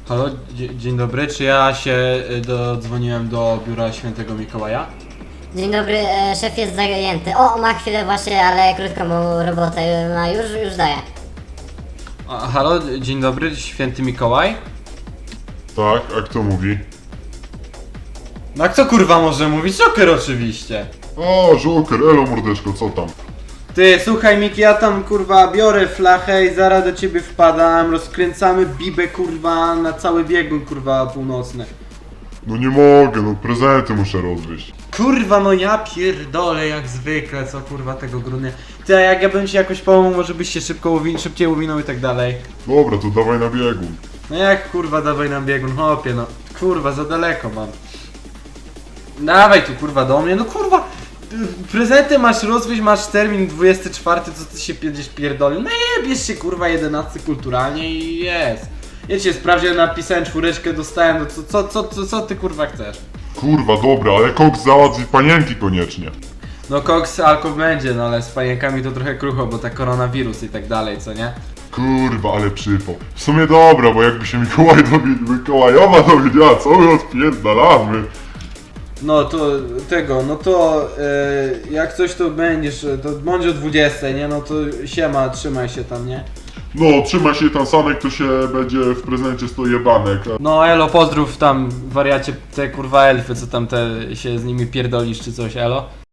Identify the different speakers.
Speaker 1: Halo, dzień dobry, czy ja się dodzwoniłem do biura świętego Mikołaja?
Speaker 2: Dzień dobry, szef jest zajęty. O, ma chwilę właśnie, ale krótką robotę ma, już daję.
Speaker 1: Halo, dzień dobry, święty Mikołaj?
Speaker 3: Tak, a kto mówi?
Speaker 1: No a kto kurwa może mówić? Joker oczywiście.
Speaker 3: O, Joker, elo mordeczko, co tam?
Speaker 1: Ty, słuchaj Miki, ja tam kurwa biorę flachę i zaraz do ciebie wpadam, rozkręcamy bibę kurwa na cały biegun kurwa północny.
Speaker 3: No nie mogę, no prezenty muszę rozwieźć.
Speaker 1: Kurwa, no ja pierdolę jak zwykle, co kurwa tego grudnia. Ty, a jak ja bym ci jakoś pomógł, może byś się szybciej uwinął i tak dalej.
Speaker 3: Dobra, to dawaj na biegun.
Speaker 1: No jak kurwa dawaj nam biegun, hopie no. Kurwa, za daleko mam. Dawaj tu kurwa do mnie, no kurwa. Prezenty masz rozwieźć, masz termin 24, co ty się będziesz pierdolił? No jebiesz się kurwa 11 kulturalnie i jest. Ja cię sprawdziłem, napisałem 4, dostałem, no co ty kurwa chcesz?
Speaker 3: Kurwa, dobra, ale koks załatwi panienki koniecznie.
Speaker 1: No koks, alko będzie, no ale z panienkami to trochę krucho, bo ta koronawirus i tak dalej, co nie?
Speaker 3: Kurwa, ale przypał. W sumie dobra, bo jakby się Mikołajowa dowiedziała, co my odpierdalamy.
Speaker 1: No to jak coś to będziesz, to bądź o 20, nie? No to siema, trzymaj się tam, nie?
Speaker 3: No, trzymaj się tam, Sanek, to się będzie w prezencie 100 jebanek.
Speaker 1: No elo, pozdrów tam wariacie te kurwa elfy, co tam te się z nimi pierdolisz czy coś, elo?